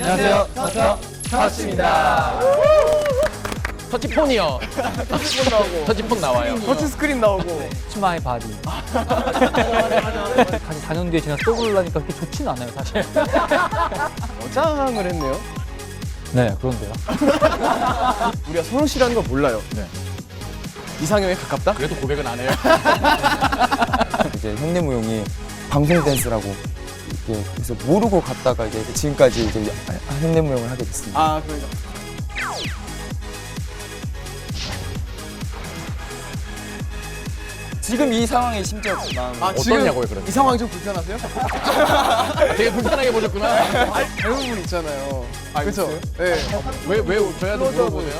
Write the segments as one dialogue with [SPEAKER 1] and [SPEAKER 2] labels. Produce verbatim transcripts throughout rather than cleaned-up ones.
[SPEAKER 1] 안녕하세요. 터터 터치입니다. 터치폰이요.
[SPEAKER 2] 터치폰 나오고
[SPEAKER 1] 터치폰 나와요.
[SPEAKER 2] 터치 스크린 나오고
[SPEAKER 3] 치마의 바디. 다시 사 년 뒤에 지나 또 부르려니까 그렇게 좋지는 않아요, 사실.
[SPEAKER 2] 여장을 했네요.
[SPEAKER 3] 네, 그런데요.
[SPEAKER 2] 우리가 선우 씨라는 걸 몰라요.
[SPEAKER 1] 네.
[SPEAKER 2] 이상형에 가깝다?
[SPEAKER 1] 그래도 고백은 안 해요.
[SPEAKER 4] 이제 현대무용이 방송 댄스라고 이렇게 그래서 모르고 갔다가 이제 지금까지 이제 현대무용을 하게 됐습니다.
[SPEAKER 2] 아, 그러니까.
[SPEAKER 4] 지금 이 상황에 심지어 마음
[SPEAKER 2] 아, 지금
[SPEAKER 1] 어떠냐고요, 그러면?
[SPEAKER 2] 이 상황이 좀 불편하세요?
[SPEAKER 1] 되게 불편하게 보셨구나.
[SPEAKER 2] 아니, 닮은 분 있잖아요.
[SPEAKER 4] 아,
[SPEAKER 2] 그렇죠?
[SPEAKER 4] 있어요?
[SPEAKER 2] 네.
[SPEAKER 1] 왜, 왜 저희한테 물어보세요?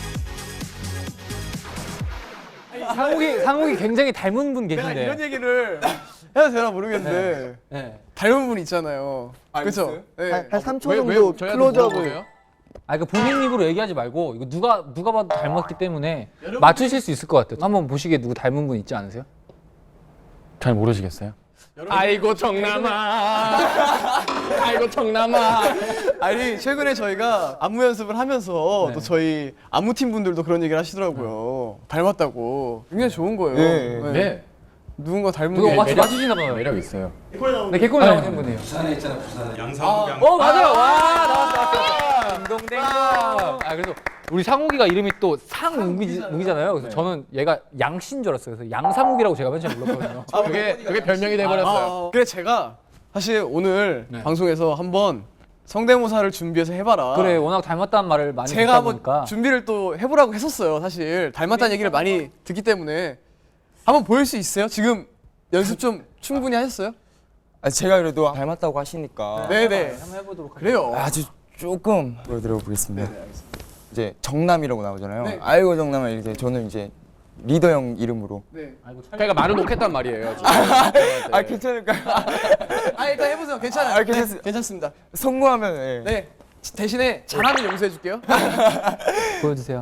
[SPEAKER 3] 상욱이, 상욱이 굉장히 닮은 분
[SPEAKER 2] 내가
[SPEAKER 3] 계신데.
[SPEAKER 2] 이런 얘기를 해도 되나 모르겠는데
[SPEAKER 3] 네.
[SPEAKER 2] 닮은 분 있잖아요.
[SPEAKER 4] 아,
[SPEAKER 2] 그렇죠?
[SPEAKER 4] 있어요?
[SPEAKER 2] 네.
[SPEAKER 4] 한, 한 삼 초
[SPEAKER 1] 왜,
[SPEAKER 4] 정도
[SPEAKER 1] 왜 저희한테
[SPEAKER 4] 클로즈업을
[SPEAKER 1] 물어보세요?
[SPEAKER 3] 아, 그 본인 입으로 얘기하지 말고 이거 누가 누가 봐도 닮았기 때문에 맞추실 수 있을 것 같아요. 한번 보시기에 누구 닮은 분 있지 않으세요?
[SPEAKER 1] 잘 모르시겠어요? 아이고 정남아. 아이고 정남아.
[SPEAKER 2] 아니 최근에 저희가 안무 연습을 하면서
[SPEAKER 3] 네.
[SPEAKER 2] 또 저희 안무팀 분들도 그런 얘기를 하시더라고요. 닮았다고. 굉장히 좋은 거예요.
[SPEAKER 4] 네.
[SPEAKER 1] 네.
[SPEAKER 2] 누군가 닮은
[SPEAKER 3] 누가
[SPEAKER 2] 게
[SPEAKER 3] 맞,
[SPEAKER 1] 매력-
[SPEAKER 3] 맞추시나 봐요.
[SPEAKER 1] 매력 있어요.
[SPEAKER 3] 네, 개콘에 나오신 분이에요.
[SPEAKER 5] 부산에 있잖아 부산 양상국
[SPEAKER 3] 어, 맞아요. 와, 나왔어, 나왔어. 딩동댕동. 아, 그래서 우리 상욱이가 이름이 또 상욱이잖아요. 그래서 저는 얘가 양씨인 줄 알았어요. 그래서 양상욱이라고 제가 맨 처음에 불렀거든요.
[SPEAKER 1] 아, 그게 그게 별명이 돼버렸어요.
[SPEAKER 2] 아, 그래 제가 사실 오늘
[SPEAKER 3] 네.
[SPEAKER 2] 방송에서 한번 성대모사를 준비해서 해봐라.
[SPEAKER 3] 그래, 워낙 닮았다는 말을 많이
[SPEAKER 2] 제가
[SPEAKER 3] 듣다
[SPEAKER 2] 한번
[SPEAKER 3] 보니까.
[SPEAKER 2] 준비를 또 해보라고 했었어요. 사실 닮았다는 얘기를 많이 듣기 때문에 한번 보일 수 있어요? 지금 연습 좀 충분히 하셨어요?
[SPEAKER 4] 아, 제가 그래도 닮았다고 하시니까
[SPEAKER 2] 네네.
[SPEAKER 3] 한번 해보도록
[SPEAKER 2] 그래요.
[SPEAKER 4] 아주 조금 보여드려 보겠습니다. 이제 정남이라고 나오잖아요.
[SPEAKER 2] 네.
[SPEAKER 4] 아이고 정남아 이제 저는 이제 리더 형 이름으로.
[SPEAKER 2] 네.
[SPEAKER 1] 그러니까 말을 놓겠단 말이에요. 지금.
[SPEAKER 4] 아 괜찮을까요?
[SPEAKER 2] 아 일단 해보세요. 괜찮아요.
[SPEAKER 4] 아, 괜찮습니다.
[SPEAKER 2] 네, 괜찮습니다.
[SPEAKER 4] 성공하면 예.
[SPEAKER 2] 네. 대신에 잘하면 용서해줄게요.
[SPEAKER 3] 보여주세요.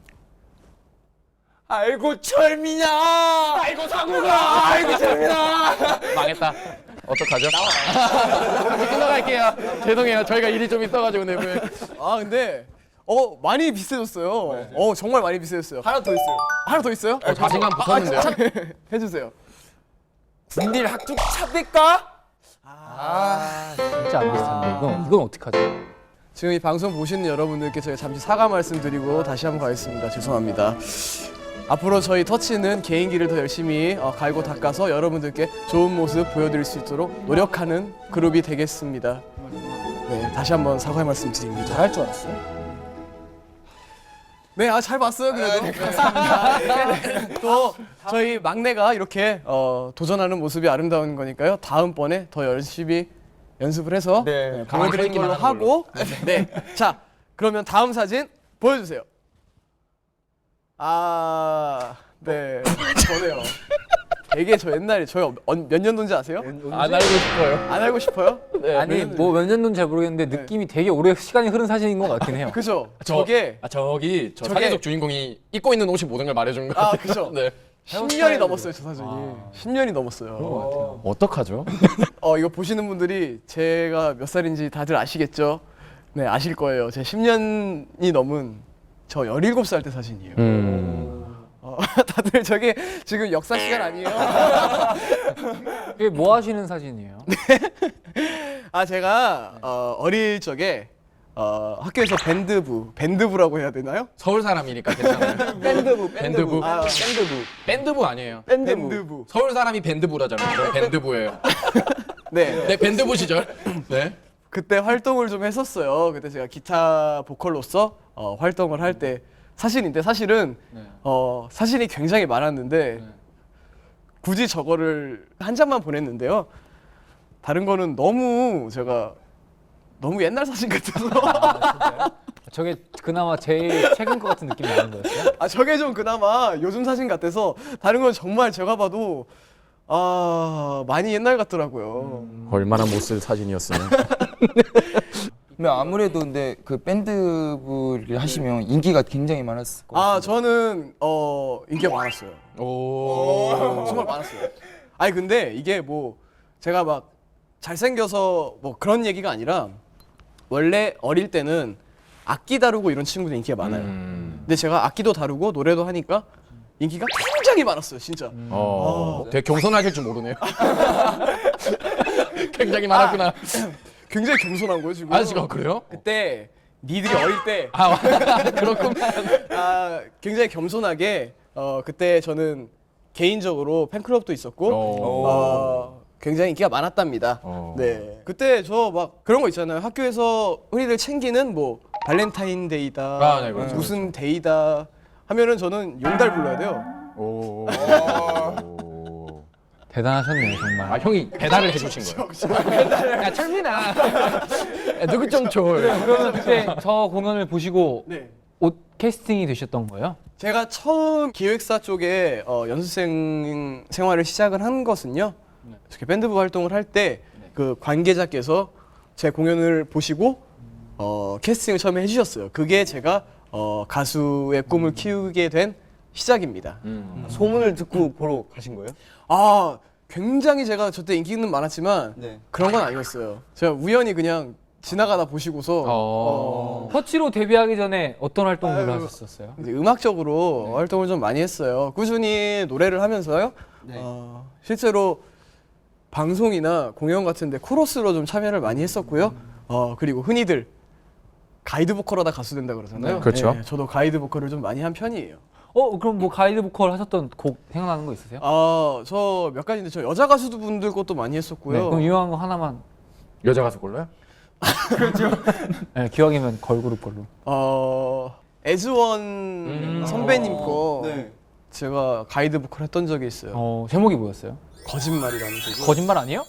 [SPEAKER 4] 아이고 철민아.
[SPEAKER 1] 아이고 상우가.
[SPEAKER 4] 아이고 철민아.
[SPEAKER 1] 망했다. 어떡하죠? 끝나갈게요. 죄송해요. 저희가 일이 좀 있어가지고 내부에.
[SPEAKER 2] 아 근데 어 많이 비슷해졌어요. 어 정말 많이 비슷해졌어요. 하나 더 있어요. 하나 더 있어요?
[SPEAKER 1] 어, 자신감 붙었는데요?
[SPEAKER 2] 아, 참, 해주세요.
[SPEAKER 4] 군딜 학죽 차릴까?
[SPEAKER 3] 진짜 안 비슷한데. 이건, 이건 어떡하죠?
[SPEAKER 2] 지금 이 방송 보시는 여러분들께 저희 잠시 사과 말씀드리고 다시 한번 가겠습니다. 죄송합니다. 앞으로 저희 터치는 개인기를 더 열심히 어, 갈고 닦아서 여러분들께 좋은 모습 보여드릴 수 있도록 노력하는 그룹이 되겠습니다. 네, 다시 한번 사과의 말씀드립니다.
[SPEAKER 3] 잘할 줄 알았어요?
[SPEAKER 2] 네, 아, 잘 봤어요, 그래도. 네, 감사합니다. 네. 또 저희 막내가 이렇게 어, 도전하는 모습이 아름다운 거니까요. 다음번에 더 열심히 연습을 해서
[SPEAKER 4] 네.
[SPEAKER 2] 네, 보여드리는 걸로
[SPEAKER 1] 가만히 서 있기만
[SPEAKER 2] 하고 네, 자, 그러면 다음 사진 보여주세요. 아, 네, 저네요. 되게 저 옛날에 저희 몇 년도인지 아세요?
[SPEAKER 1] 안 알고 싶어요.
[SPEAKER 2] 안 알고 싶어요?
[SPEAKER 1] 네.
[SPEAKER 3] 아니, 뭐 몇 년도는 잘 모르겠는데 느낌이 되게 오래 시간이 흐른 사진인 것 같긴 해요.
[SPEAKER 2] 그죠?
[SPEAKER 1] 저,
[SPEAKER 2] 저게
[SPEAKER 1] 아, 저기 저
[SPEAKER 2] 저게-
[SPEAKER 1] 사진 속 주인공이 입고 있는 옷이 모든 걸 말해주는 거
[SPEAKER 2] 아,
[SPEAKER 1] 같아요.
[SPEAKER 2] 그죠?
[SPEAKER 1] 네.
[SPEAKER 2] 십 년이 넘었어요, 저 사진이. 십 년이 넘었어요.
[SPEAKER 1] 어떡하죠?
[SPEAKER 2] 어 이거 보시는 분들이 제가 몇 살인지 다들 아시겠죠? 네 아실 거예요. 제 십 년이 넘은 저 열일곱 살 때 사진이에요.
[SPEAKER 1] 음.
[SPEAKER 2] 어, 다들 저게 지금 역사 시간 아니에요?
[SPEAKER 3] 이게 뭐 하시는 사진이에요?
[SPEAKER 2] 아 제가 어, 어릴 적에 어, 학교에서 밴드부, 밴드부라고 해야 되나요?
[SPEAKER 1] 서울 사람이니까 괜찮아요.
[SPEAKER 4] 밴드부
[SPEAKER 1] 밴드부.
[SPEAKER 2] 아,
[SPEAKER 4] 밴드부.
[SPEAKER 1] 밴드부 아니에요.
[SPEAKER 4] 밴드부.
[SPEAKER 2] 밴드부.
[SPEAKER 1] 서울 사람이 밴드부라잖아요. 저 밴드부예요.
[SPEAKER 2] 네.
[SPEAKER 1] 네, 밴드부 시절. 네.
[SPEAKER 2] 그때 활동을 좀 했었어요. 그때 제가 기타 보컬로서 어, 활동을 할 때 사진인데 사실은
[SPEAKER 3] 네.
[SPEAKER 2] 어, 사진이 굉장히 많았는데
[SPEAKER 3] 네.
[SPEAKER 2] 굳이 저거를 한 장만 보냈는데요. 다른 거는 너무 제가 너무 옛날 사진 같아서
[SPEAKER 3] 저게 그나마 제일 최근 것 같은 느낌이 나는 거였어요?
[SPEAKER 2] 아 저게 좀 그나마 요즘 사진 같아서 다른 건 정말 제가 봐도 아 많이 옛날 같더라고요.
[SPEAKER 1] 얼마나 못 쓸 사진이었으면.
[SPEAKER 4] 근데 아무래도 근데 그 밴드부를 하시면 인기가 굉장히 많았을 것 같아요.
[SPEAKER 2] 아 저는 어 인기가 많았어요.
[SPEAKER 1] 오.
[SPEAKER 2] 정말 많았어요. 아니 근데 이게 뭐 제가 막 잘생겨서 뭐 그런 얘기가 아니라 원래 어릴 때는 악기 다루고 이런 친구들 인기가 많아요.
[SPEAKER 1] 음.
[SPEAKER 2] 근데 제가 악기도 다루고 노래도 하니까 인기가 굉장히 많았어요, 진짜.
[SPEAKER 1] 어. 되게 겸손하실 줄 모르네요. 굉장히 많았구나.
[SPEAKER 2] 굉장히 겸손한 거예요, 지금.
[SPEAKER 1] 아, 지금 그래요?
[SPEAKER 2] 그때 니들이 어릴 때
[SPEAKER 1] 아, 그렇군.
[SPEAKER 2] 아, 굉장히 겸손하게 어, 그때 저는 개인적으로 팬클럽도 있었고
[SPEAKER 1] 오.
[SPEAKER 2] 어, 굉장히 인기가 많았답니다.
[SPEAKER 1] 오.
[SPEAKER 2] 네. 그때 저 막 그런 거 있잖아요. 학교에서 흔히들 챙기는 뭐 발렌타인데이다,
[SPEAKER 1] 아, 네, 그렇죠,
[SPEAKER 2] 무슨 데이다 하면은 저는 용달 불러야 돼요.
[SPEAKER 1] 오.
[SPEAKER 3] 대단하셨네요 정말.
[SPEAKER 1] 아, 형이 배달을 해주신 거예요. 야, 철민아. 야, 누구 좀 줘.
[SPEAKER 3] 그러면 그때 저 공연을 보시고
[SPEAKER 2] 네.
[SPEAKER 3] 옷 캐스팅이 되셨던 거예요?
[SPEAKER 2] 제가 처음 기획사 쪽에 어, 연습생 생활을 시작을 한 것은요. 이렇게 밴드부 활동을 할 때 그 관계자께서 제 공연을 보시고 어, 캐스팅을 처음에 해주셨어요. 그게 제가 어, 가수의 꿈을 키우게 된 시작입니다.
[SPEAKER 4] 소문을 듣고 보러 가신 거예요?
[SPEAKER 2] 아, 굉장히 제가 저때 인기는 많았지만
[SPEAKER 4] 네.
[SPEAKER 2] 그런 건 아니었어요. 제가 우연히 그냥 지나가다 보시고서
[SPEAKER 1] 어.
[SPEAKER 3] 터치로 데뷔하기 전에 어떤 활동을
[SPEAKER 2] 아유.
[SPEAKER 3] 하셨었어요?
[SPEAKER 2] 이제 음악적으로 활동을 좀 많이 했어요. 꾸준히 노래를 하면서요. 어, 실제로 방송이나 공연 같은데 코러스로 좀 참여를 많이 했었고요. 어, 그리고 흔히들 가이드 보컬하다 가수 된다 그러잖아요.
[SPEAKER 1] 네, 그렇죠.
[SPEAKER 2] 네, 저도 가이드 보컬을 좀 많이 한 편이에요.
[SPEAKER 3] 어 그럼 뭐 가이드 보컬 하셨던 곡 생각나는 거 있으세요?
[SPEAKER 2] 아, 저 몇 가지인데 저 여자 가수들 분들 것도 많이
[SPEAKER 3] 네,
[SPEAKER 2] 했었고요.
[SPEAKER 3] 그럼 유명한 거 하나만.
[SPEAKER 1] 여자 가수 골라요?
[SPEAKER 3] 네, 기왕이면 걸그룹 걸로.
[SPEAKER 2] 어, 에즈원
[SPEAKER 1] 음.
[SPEAKER 2] 선배님 거
[SPEAKER 4] 네.
[SPEAKER 2] 제가 가이드 보컬 했던 적이 있어요.
[SPEAKER 3] 어 제목이 뭐였어요?
[SPEAKER 2] 거짓말이라는 곡.
[SPEAKER 3] 거짓말 아니에요?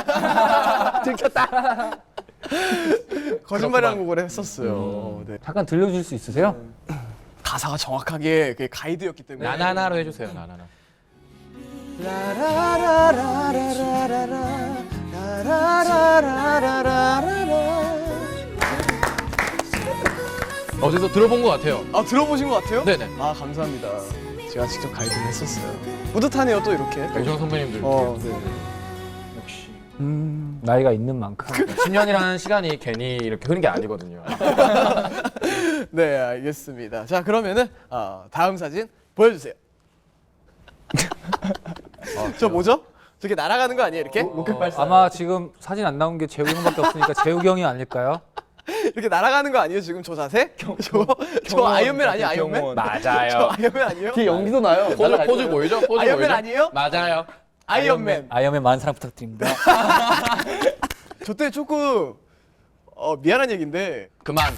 [SPEAKER 2] 거짓말이라는 곡을 했었어요. 네.
[SPEAKER 3] 잠깐 들려줄 수 있으세요?
[SPEAKER 2] 가사가 정확하게 그게 가이드였기 때문에.
[SPEAKER 1] 나나나로 해주세요. 나나나. 어디서 들어본 것 같아요.
[SPEAKER 2] 아, 들어보신 것 같아요?
[SPEAKER 1] 네네.
[SPEAKER 2] 아, 감사합니다. 제가 직접 가이드를 했었어요. 뿌듯하네요, 또 이렇게.
[SPEAKER 1] 유정 선배님들.
[SPEAKER 2] 어, 네.
[SPEAKER 1] 역시.
[SPEAKER 3] 나이가 있는 만큼.
[SPEAKER 1] 십 년이라는 시간이 괜히 이렇게 흐른 게 아니거든요.
[SPEAKER 2] 네, 알겠습니다. 자, 그러면은 어, 다음 사진 보여주세요. 저 뭐죠? 저게 날아가는 거 아니에요, 이렇게?
[SPEAKER 3] 아마 지금 사진 안 나온 게 재욱이 형밖에 없으니까 재욱이 형이 아닐까요?
[SPEAKER 2] 이렇게 날아가는 거 아니에요, 지금 저 자세? 저, 저 아이언맨 아니에요, 아이언맨? 저
[SPEAKER 1] 맞아요.
[SPEAKER 2] 아이언맨 아니에요?
[SPEAKER 4] 뒤에 연기도 나요.
[SPEAKER 1] 포즈, 포즈 보이죠? 포즈
[SPEAKER 2] 아이언맨
[SPEAKER 1] 보이죠?
[SPEAKER 2] 아니에요?
[SPEAKER 1] 맞아요.
[SPEAKER 2] 아이언맨.
[SPEAKER 3] 아이언맨 많은 사랑 부탁드립니다.
[SPEAKER 2] 저 때 조금 어, 미안한 얘기인데
[SPEAKER 1] 그만.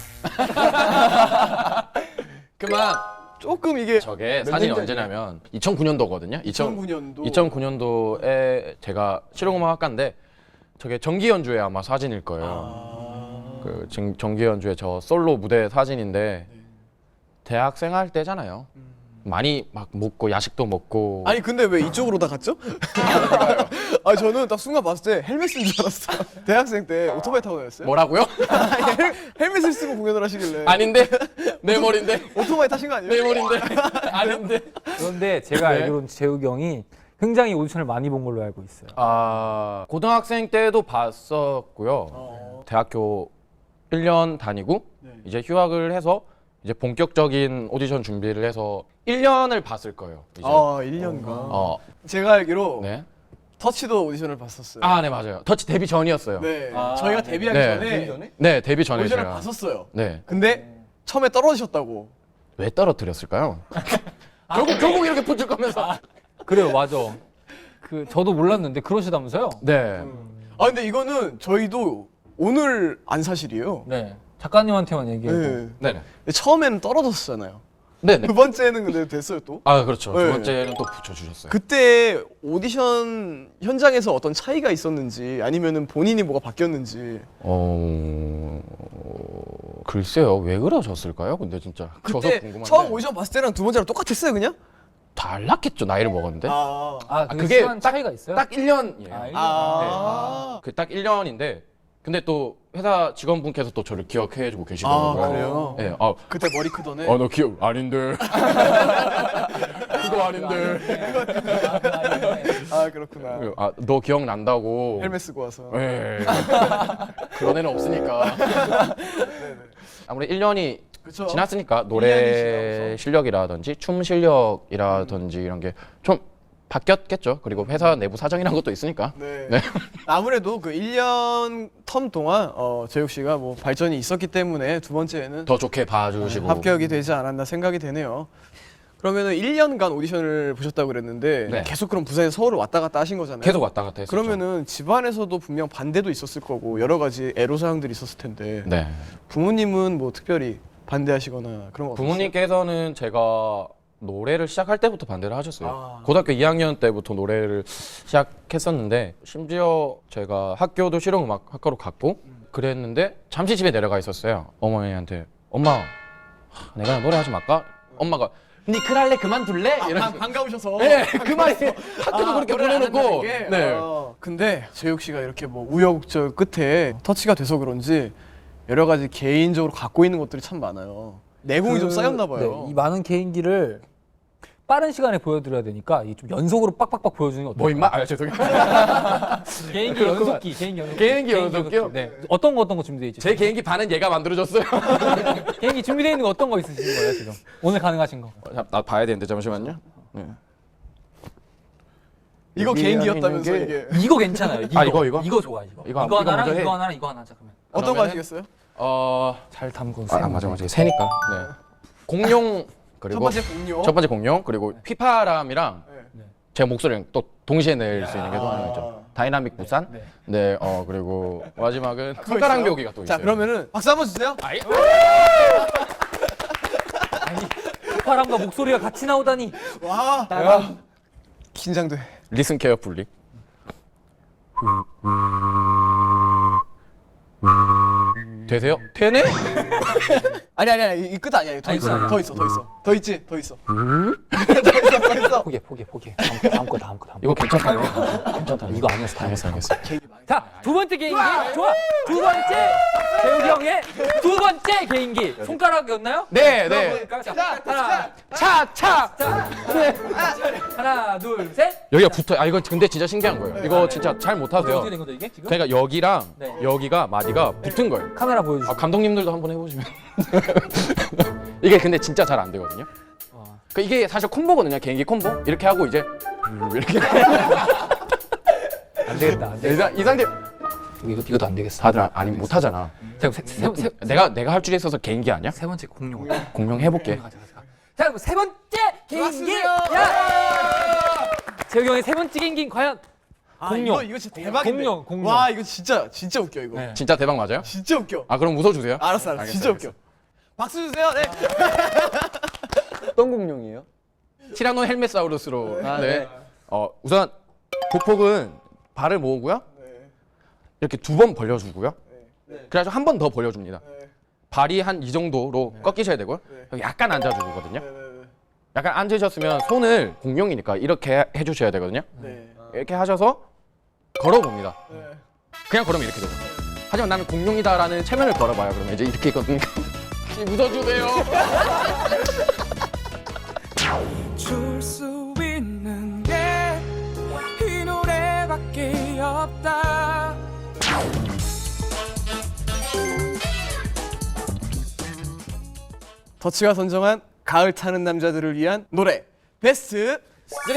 [SPEAKER 1] 그만.
[SPEAKER 2] 조금 이게
[SPEAKER 1] 저게 사진이
[SPEAKER 2] 년
[SPEAKER 1] 언제냐면 이천구 년도거든요.
[SPEAKER 2] 이천구 년도.
[SPEAKER 1] 이천구 년도에 제가 실용음악학과인데 저게 정기 연주회 아마 사진일 거예요. 그 정, 정기 연주회 저 솔로 무대 사진인데 대학생 할 때잖아요. 많이 막 먹고 야식도 먹고.
[SPEAKER 2] 아니 근데 왜 이쪽으로 다 갔죠? 아 저는 딱 순간 봤을 때 헬멧인 줄 알았어. 대학생 때 오토바이 타고 다녔어요?
[SPEAKER 1] 뭐라고요?
[SPEAKER 2] 아니, 헬, 헬멧을 쓰고 공연을 하시길래.
[SPEAKER 1] 아닌데 내 머리인데
[SPEAKER 2] 오토바이 타신 거 아니에요?
[SPEAKER 1] 내 머리인데 아닌데.
[SPEAKER 3] 그런데 제가
[SPEAKER 1] 네.
[SPEAKER 3] 알기로는 재욱이 형이 굉장히 오디션을 많이 본 걸로 알고 있어요.
[SPEAKER 1] 아 고등학생 때도 봤었고요.
[SPEAKER 2] 어.
[SPEAKER 1] 대학교 일 년 다니고
[SPEAKER 2] 네.
[SPEAKER 1] 이제 휴학을 해서 이제 본격적인 오디션 준비를 해서 일 년을 봤을 거예요. 이제.
[SPEAKER 2] 아 일 년간.
[SPEAKER 1] 어,
[SPEAKER 2] 제가 알기로
[SPEAKER 1] 네.
[SPEAKER 2] 터치도 오디션을 봤었어요.
[SPEAKER 1] 아, 네 맞아요. 터치 데뷔 전이었어요.
[SPEAKER 2] 네.
[SPEAKER 4] 아,
[SPEAKER 2] 저희가
[SPEAKER 4] 네.
[SPEAKER 2] 데뷔하기
[SPEAKER 1] 네.
[SPEAKER 2] 전에,
[SPEAKER 4] 데뷔 전에?
[SPEAKER 1] 네, 데뷔 전에
[SPEAKER 2] 오디션을
[SPEAKER 1] 제가.
[SPEAKER 2] 봤었어요.
[SPEAKER 1] 네.
[SPEAKER 2] 근데 처음에 떨어지셨다고.
[SPEAKER 1] 왜 떨어뜨렸을까요? 결국 결국 이렇게 붙을 거면서.
[SPEAKER 3] 그래요, 맞아. 그 저도 몰랐는데 그러시다면서요?
[SPEAKER 1] 네.
[SPEAKER 2] 아 근데 이거는 저희도 오늘 안 사실이에요.
[SPEAKER 3] 네. 작가님한테만 얘기해도.
[SPEAKER 2] 네.
[SPEAKER 1] 네. 네.
[SPEAKER 2] 근데 처음에는 떨어졌었잖아요.
[SPEAKER 1] 네. 네.
[SPEAKER 2] 두 번째는 근데 됐어요 또.
[SPEAKER 1] 아, 그렇죠.
[SPEAKER 2] 네.
[SPEAKER 1] 두 번째는 또 붙여 주셨어요.
[SPEAKER 2] 그때 오디션 현장에서 어떤 차이가 있었는지 아니면은 본인이 뭐가 바뀌었는지.
[SPEAKER 1] 어... 글쎄요. 왜 그러셨을까요? 근데 진짜 저도
[SPEAKER 2] 그때
[SPEAKER 1] 궁금한데.
[SPEAKER 2] 처음 오디션 봤을 때랑 두 번째랑 똑같았어요 그냥?
[SPEAKER 1] 달랐겠죠. 나이를 먹었는데.
[SPEAKER 2] 아.
[SPEAKER 3] 아, 그게
[SPEAKER 1] 그게
[SPEAKER 3] 시간 차이가 있어요?
[SPEAKER 1] 딱 일 년이에요.
[SPEAKER 3] 아, 일 년.
[SPEAKER 2] 아.
[SPEAKER 1] 그 딱 일 년인데 근데 또 회사 직원분께서 또 저를 기억해 주고
[SPEAKER 2] 아
[SPEAKER 1] 계시더라고요.
[SPEAKER 2] 그래요?
[SPEAKER 1] 네. 아,
[SPEAKER 2] 그때 머리 크던 애.
[SPEAKER 1] 어, 너 기억 아닌데. 그거 아닌데.
[SPEAKER 2] 아 아 그렇구나.
[SPEAKER 1] 아, 너 기억난다고.
[SPEAKER 2] 헬멧 쓰고 와서.
[SPEAKER 1] 예. 그런 애는 없으니까. 아무래도 일 년이
[SPEAKER 2] 그쵸?
[SPEAKER 1] 지났으니까
[SPEAKER 2] 일
[SPEAKER 1] 노래
[SPEAKER 2] 년이 지나서.
[SPEAKER 1] 실력이라든지 춤 실력이라든지 이런 게 좀 바뀌었겠죠. 그리고 회사 내부 사정이란 것도 있으니까.
[SPEAKER 2] 네.
[SPEAKER 1] 네.
[SPEAKER 2] 아무래도 그 일 년 텀 동안 어, 재욱 씨가 뭐 발전이 있었기 때문에 두 번째에는
[SPEAKER 1] 더 좋게 봐주시고.
[SPEAKER 2] 합격이 되지 않았나 생각이 되네요. 그러면은 일 년간 오디션을 보셨다고 그랬는데
[SPEAKER 1] 네.
[SPEAKER 2] 계속 그럼 부산에서 서울을 왔다 갔다 하신 거잖아요.
[SPEAKER 1] 계속 왔다 갔다 했었죠.
[SPEAKER 2] 그러면은 집안에서도 분명 반대도 있었을 거고 여러 가지 애로사항들이 있었을 텐데
[SPEAKER 1] 네.
[SPEAKER 2] 부모님은 뭐 특별히 반대하시거나 그런 거 없었어요?
[SPEAKER 1] 부모님께서는 제가 노래를 시작할 때부터 반대를 하셨어요.
[SPEAKER 2] 아.
[SPEAKER 1] 고등학교 이 학년 때부터 노래를 시작했었는데 심지어 제가 학교도 실용음악학과로 갔고 그랬는데 잠시 집에 내려가 있었어요. 어머니한테 엄마 하, 내가 노래하지 말까? 엄마가 니 그랄래 그만둘래? 이런
[SPEAKER 2] 아, 반가우셔서.
[SPEAKER 1] 네, 그 말이 학교도 그렇게
[SPEAKER 2] 노래를 안
[SPEAKER 1] 보내놓고
[SPEAKER 2] 한다는 게?
[SPEAKER 1] 네.
[SPEAKER 2] 어, 근데 재욱 씨가 이렇게 뭐 우여곡절 끝에 터치가 돼서 그런지 여러 가지 개인적으로 갖고 있는 것들이 참 많아요. 내공이 좀 쌓였나 봐요.
[SPEAKER 3] 네, 이 많은 개인기를 빠른 시간에 보여드려야 되니까 이 좀 연속으로 빡빡빡 보여주는 게 어떨까요?
[SPEAKER 1] 뭐 임마? 아 죄송해요.
[SPEAKER 3] 개인기 연속기, 개인기 연속기.
[SPEAKER 1] 개인기 연속기요?
[SPEAKER 3] 네. 어떤 거 어떤 거 준비돼 있죠?
[SPEAKER 1] 제 개인기 반은 얘가 만들어줬어요.
[SPEAKER 3] 개인기 준비되어 있는 거 어떤 거 있으신 거예요 지금? 오늘 가능하신 거?
[SPEAKER 1] 자, 나 봐야 되는데 잠시만요. 네.
[SPEAKER 2] 이거 개인기였다면서 이게.
[SPEAKER 3] 이거 괜찮아요. 이거
[SPEAKER 1] 아, 이거, 이거?
[SPEAKER 3] 이거 좋아 이거.
[SPEAKER 1] 이거
[SPEAKER 3] 이거,
[SPEAKER 1] 이거
[SPEAKER 3] 하나랑
[SPEAKER 1] 먼저 해.
[SPEAKER 3] 이거 하나랑 이거 하나 잠깐만.
[SPEAKER 2] 어떤 거
[SPEAKER 1] 그러면은-
[SPEAKER 2] 하시겠어요?
[SPEAKER 1] 어,
[SPEAKER 3] 잘 담고.
[SPEAKER 1] 아, 아 맞아 맞아 새니까. 네. 공룡 그리고
[SPEAKER 2] 첫 번째 공룡.
[SPEAKER 1] 첫 번째 공룡 그리고 휘파람이랑
[SPEAKER 2] 네.
[SPEAKER 1] 제 목소리를 또 동시에 낼 수 있는 게 또 하나 있죠. 다이나믹 부산.
[SPEAKER 3] 네.
[SPEAKER 1] 네. 어 그리고 마지막은
[SPEAKER 2] 그거
[SPEAKER 1] 손가락
[SPEAKER 2] 있어요?
[SPEAKER 1] 묘기가 또
[SPEAKER 2] 자
[SPEAKER 1] 있어요.
[SPEAKER 2] 그러면은 박수 한번 주세요.
[SPEAKER 3] 파람과 목소리가 같이 나오다니.
[SPEAKER 2] 와. 야. 긴장돼.
[SPEAKER 1] 리슨 케어풀리. 되세요? 되네?
[SPEAKER 2] 아니 아니 아니 이 끝 아니야. 더
[SPEAKER 3] 아니,
[SPEAKER 2] 있어.
[SPEAKER 3] 아니,
[SPEAKER 2] 더 있어. 더 있어. 더 있지. 더 있어. 더 있어. 더 있어.
[SPEAKER 3] 포기해 포기해 포기해. 다음, 다음 거 다음 거 다음 거.
[SPEAKER 1] 이거 괜찮다요? 괜찮다.
[SPEAKER 3] 이거 아니었어. 다음 거.
[SPEAKER 1] 알겠어 알겠어.
[SPEAKER 3] 자, 두 번째 개인기. 좋아. 두 번째 재욱이 형의 두 번째 개인기. 손가락이었나요?
[SPEAKER 1] 네 네.
[SPEAKER 3] 자, 하나,
[SPEAKER 1] 차 차.
[SPEAKER 3] 자, 하나, 둘, 셋.
[SPEAKER 1] 여기가 붙어. 아 이거 근데 진짜 신기한 거예요. 이거 진짜 잘 못하세요.
[SPEAKER 3] 어떻게 된 거죠 이게 지금?
[SPEAKER 1] 그러니까 여기랑
[SPEAKER 3] 네.
[SPEAKER 1] 여기가 마디가 붙은 거예요.
[SPEAKER 3] 카메라 보여주시고.
[SPEAKER 1] 아, 감독님들도 한번 해보시면 이게 근데 진짜 잘 안 되거든요.
[SPEAKER 3] 어.
[SPEAKER 1] 그 이게 사실 콤보거든요. 개인기 콤보 이렇게 하고 이제 이렇게
[SPEAKER 3] 안 되겠다. 안 되겠다.
[SPEAKER 1] 이, 상- 이 상태
[SPEAKER 3] 이거 이것도 안 되겠어.
[SPEAKER 1] 다들 아니 못하잖아.
[SPEAKER 3] 자, 세, 세, 세,
[SPEAKER 1] 내가 내가 할 줄에 있어서 개인기 아니야?
[SPEAKER 3] 세 번째 공룡.
[SPEAKER 1] 공룡 해볼게.
[SPEAKER 3] 가자, 가자. 자, 그럼 세 번째 개인기.
[SPEAKER 2] 좋았어요.
[SPEAKER 3] 야! 재욱이 형의 세 번째 개인기 과연
[SPEAKER 2] 아,
[SPEAKER 3] 공룡.
[SPEAKER 2] 이거 이거 진짜 대박인데.
[SPEAKER 3] 공룡, 공룡.
[SPEAKER 2] 와 이거 진짜 진짜 웃겨 이거.
[SPEAKER 3] 네.
[SPEAKER 1] 진짜 대박 맞아요?
[SPEAKER 2] 진짜 웃겨.
[SPEAKER 1] 아 그럼 웃어주세요.
[SPEAKER 2] 알았어 알았어.
[SPEAKER 1] 알겠어,
[SPEAKER 2] 진짜
[SPEAKER 1] 알겠어.
[SPEAKER 2] 웃겨. 박수 주세요. 네.
[SPEAKER 4] 어떤 공룡이에요?
[SPEAKER 1] 티라노 헬멧사우루스로.
[SPEAKER 4] 아,
[SPEAKER 1] 네.
[SPEAKER 4] 네.
[SPEAKER 1] 어 우선 보폭은 발을 모으고요. 이렇게 두 번 벌려주고요. 그래가지고 한 번 더 벌려줍니다. 발이 한 이 정도로 꺾이셔야 되고요. 여기 약간 앉아주거든요. 약간 앉으셨으면 손을 공룡이니까 이렇게 해주셔야 되거든요.
[SPEAKER 2] 네.
[SPEAKER 1] 이렇게 하셔서 걸어봅니다. 그냥 걸으면 이렇게 되죠. 하지만 나는 공룡이다라는 체면을 걸어봐요. 그러면 이제 이렇게 있거든요. 웃어주세요.
[SPEAKER 6] 줄 수 있는 게 이 노래밖에 없다.
[SPEAKER 2] 더치가 선정한 가을 타는 남자들을 위한 노래 베스트 삼.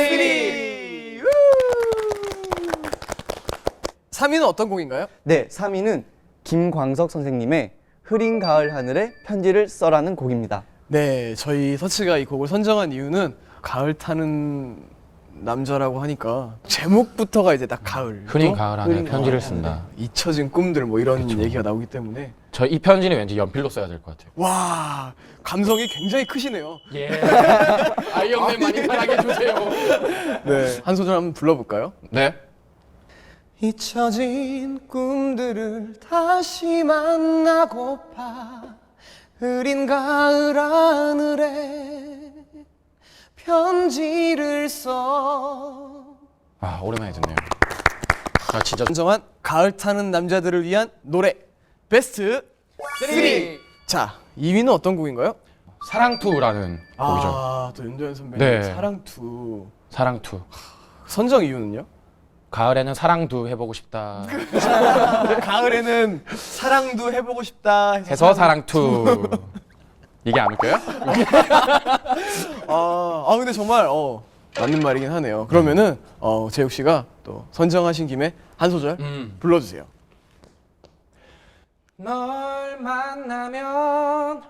[SPEAKER 2] 삼 위는 어떤 곡인가요?
[SPEAKER 4] 네, 삼 위는 김광석 선생님의 흐린 가을 하늘에 편지를 써라는 곡입니다.
[SPEAKER 2] 네, 저희 서치가 이 곡을 선정한 이유는 가을 타는 남자라고 하니까 제목부터가 이제 딱 가을.
[SPEAKER 1] 흔히
[SPEAKER 2] 또
[SPEAKER 1] 가을 하늘에
[SPEAKER 2] 흐린
[SPEAKER 1] 편지를
[SPEAKER 2] 가을
[SPEAKER 1] 쓴다.
[SPEAKER 2] 하늘에 잊혀진 꿈들 뭐 이런 얘기가 나오기 때문에
[SPEAKER 1] 저 이 편지는 왠지 연필로 써야 될 것 같아요.
[SPEAKER 2] 와 감성이 굉장히 크시네요.
[SPEAKER 1] 예. 아이언맨 많이 사랑해 주세요.
[SPEAKER 2] 네, 한 소절 한번 불러볼까요?
[SPEAKER 1] 네.
[SPEAKER 2] 잊혀진 꿈들을 다시 만나고파 흐린 가을 하늘에 편지를 써.
[SPEAKER 1] 아 오랜만에 듣네요. 아 진짜
[SPEAKER 2] 선정한 가을 타는 남자들을 위한 노래 베스트 삼. 자, 이 위는 어떤 곡인가요?
[SPEAKER 1] 사랑투라는 곡이죠.
[SPEAKER 2] 아, 또 윤도현 선배님
[SPEAKER 1] 네.
[SPEAKER 2] 사랑투.
[SPEAKER 1] 사랑투.
[SPEAKER 2] 선정 이유는요?
[SPEAKER 1] 가을에는 사랑도 해보고 싶다
[SPEAKER 2] 가을에는 사랑도 해보고 싶다 해서,
[SPEAKER 1] 해서 사랑투 이게 안 웃겨요?
[SPEAKER 2] 아, 아 근데 정말 어, 맞는 말이긴 하네요. 그러면은 어, 재욱 씨가 또 선정하신 김에 한 소절
[SPEAKER 1] 음.
[SPEAKER 2] 불러주세요.
[SPEAKER 1] 널 만나면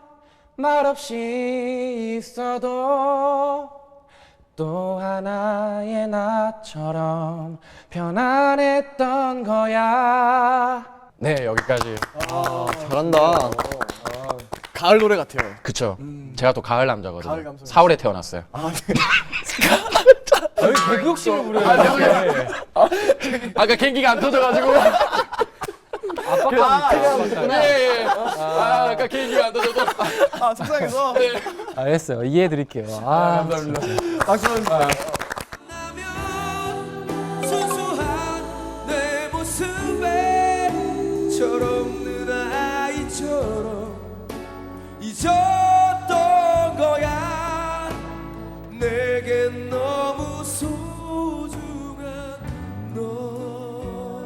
[SPEAKER 1] 말없이 있어도 또 하나의 나처럼 편안했던 거야. 네, 여기까지.
[SPEAKER 4] 잘한다.
[SPEAKER 2] 가을 노래 같아요.
[SPEAKER 1] 그쵸. 제가 또 가을 남자거든요.
[SPEAKER 2] 가을 감성.
[SPEAKER 1] 사월에 태어났어요.
[SPEAKER 2] 아, 네.
[SPEAKER 3] 개그 욕심을 부려요.
[SPEAKER 1] 아까 개인기가 안 터져가지고.
[SPEAKER 3] 압박감이
[SPEAKER 1] 네. 아, 아까 개인기가 안 터져서.
[SPEAKER 2] 아, 속상해서. 네.
[SPEAKER 3] 알겠어요. 이해해드릴게요. 아,
[SPEAKER 2] 박수 한번 주세요.
[SPEAKER 6] 만나면 순수한 내 모습에 철없는 아이처럼 잊었던 거야. 내겐 너무 소중한 너,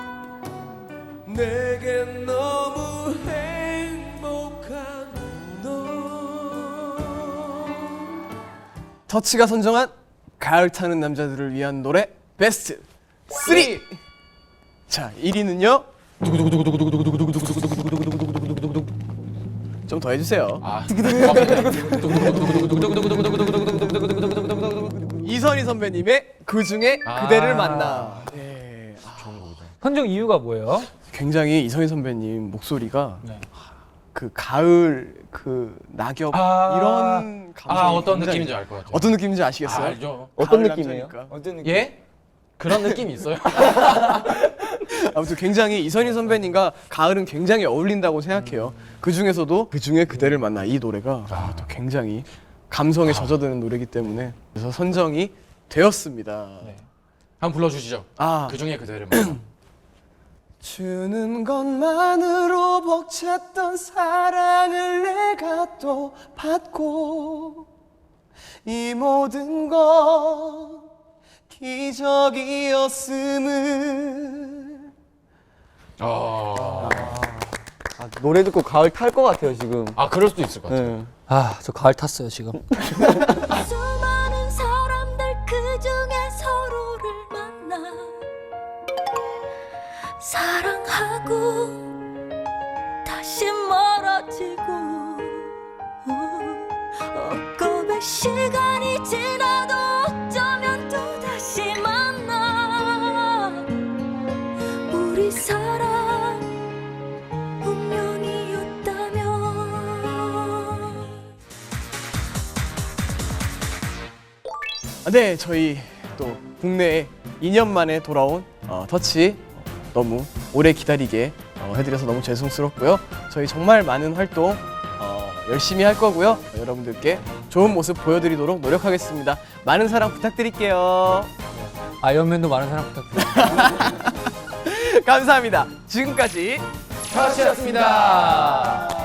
[SPEAKER 6] 내겐 너무 행복한 너.
[SPEAKER 2] 터치가 선정한 가을 타는 남자들을 위한 노래 베스트 삼. 자, 일 위는요. 좀 더 해주세요.
[SPEAKER 1] 아.
[SPEAKER 2] 이선희 선배님의 그 중에
[SPEAKER 1] 아.
[SPEAKER 2] 그대를 만나. 네. 아,
[SPEAKER 3] 선정 이유가 뭐예요?
[SPEAKER 2] 굉장히 이선희 선배님 목소리가
[SPEAKER 3] 네.
[SPEAKER 2] 그 가을 그 낙엽
[SPEAKER 1] 아.
[SPEAKER 2] 이런 감성.
[SPEAKER 1] 아, 어떤 느낌인지 알 것 같아요.
[SPEAKER 2] 어떤 느낌인지 아시겠어요?
[SPEAKER 1] 아, 알죠.
[SPEAKER 4] 어떤
[SPEAKER 2] 가을
[SPEAKER 4] 느낌이에요?
[SPEAKER 2] 남자니까.
[SPEAKER 4] 어떤 느낌?
[SPEAKER 1] 예? 그런 느낌이 있어요.
[SPEAKER 2] 아무튼 굉장히 이선희 선배님과 가을은 굉장히 어울린다고 생각해요. 그 중에서도 그 중에 그대를 만나 이 노래가 아, 또 굉장히 감성에 젖어드는 노래이기 때문에 그래서 선정이 되었습니다.
[SPEAKER 1] 한번 불러주시죠.
[SPEAKER 2] 아,
[SPEAKER 1] 그 중에 그대를 만나.
[SPEAKER 2] 주는 것만으로 벅찼던 사랑을 내가 또 받고 이 모든 건 기적이었음을.
[SPEAKER 1] 어...
[SPEAKER 4] 아, 노래 듣고 가을 탈 것 같아요 지금.
[SPEAKER 1] 아, 그럴 수도 있을 것 같아요.
[SPEAKER 4] 네.
[SPEAKER 3] 아, 저 가을 탔어요, 지금.
[SPEAKER 7] 수많은 사람들 그 중에 서로를 만나 사랑하고 다시 멀어지고 엊그의 시간이 지나도 어쩌면 또 다시 만나 우리 사랑 운명이었다면.
[SPEAKER 2] 네, 저희 또 국내에 이 년 만에 돌아온 어, 터치 너무 오래 기다리게 어, 해드려서 너무 죄송스럽고요. 저희 정말 많은 활동 어, 열심히 할 거고요. 여러분들께 좋은 모습 보여드리도록 노력하겠습니다. 많은 사랑 부탁드릴게요.
[SPEAKER 3] 아이언맨도 많은 사랑 부탁드립니다.
[SPEAKER 2] 감사합니다. 지금까지
[SPEAKER 1] 터치였습니다.